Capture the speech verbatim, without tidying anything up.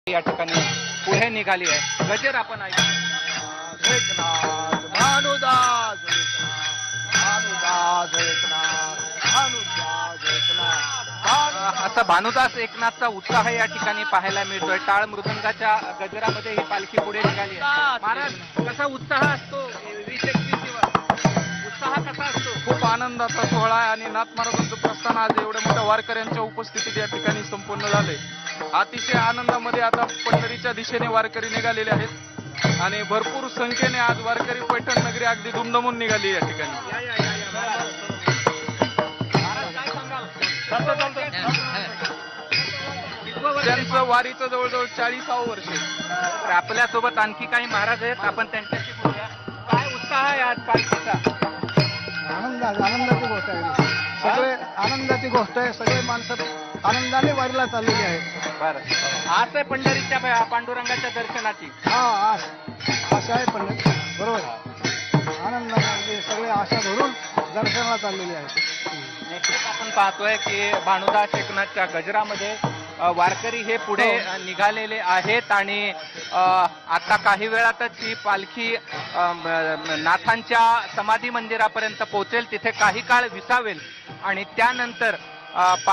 या ठिकाणी पुढे निघाली आहे. गजर आपण ऐकू. एकनाथ भानुदास भानुदास एकनाथ भानुदास एकनाथ असा भानुदास एकनाथचा उत्साह या ठिकाणी पाहायला मिळतोय. टाळ मृदंगाच्या गजरामध्ये ही पालखी पुढे निघाली आहे. महाराज, कसा उत्साह असतो वीस एकवीस दिवस? उत्साह कसा असतो? खूप आनंदाचा सोहळा आहे आणि नाथ महाराजांचं प्रस्थान आज एवढ्या मोठ्या वारकऱ्यांच्या उपस्थितीत या ठिकाणी संपन्न झाले. अतिशय आनंदामध्ये आता पंढरीच्या दिशेने वारकरी निघालेले आहेत आणि भरपूर संख्येने आज वारकरी पैठण नगरी अगदी दुमदमून निघाली या ठिकाणी. या, या, या, या, महाराज. महाराज, काय सांगाल? कितवं वर्ष? त्यांचं वारीचं जवळजवळ चाळीसावं वर्ष आहे. तर आपल्यासोबत आणखी काही महाराज आहेत, आपण त्यांच्याशी बोलूया. काय उत्साह आहे आज पालखीचा? आनंद आनंदाची गोष्ट आहे. सगळे आनंदाची गोष्ट आहे. सगळे माणसं आनंदाने वारीला चाललेली आहेत. बरं, आज आहे पंढरीच्या पा- पांडुरंगाच्या दर्शनाची. हा आश आशा आहे पण बरोबर आनंदाने अगदी सगळे आशा धरून दर्शनाला चाललेली आहेत. निश्चित आपण पाहतोय की भानुदास एकनाथच्या गजरामध्ये अ, वारकरी हे पुढे अ, निघालेले आहेत आणि अ, आता काही वेळातच ही पालखी अ, म- नाथांच्या समाधी मंदिरापर्यंत पोहोचेल. तिथे काही काळ विसावेल आणि त्यानंतर अ,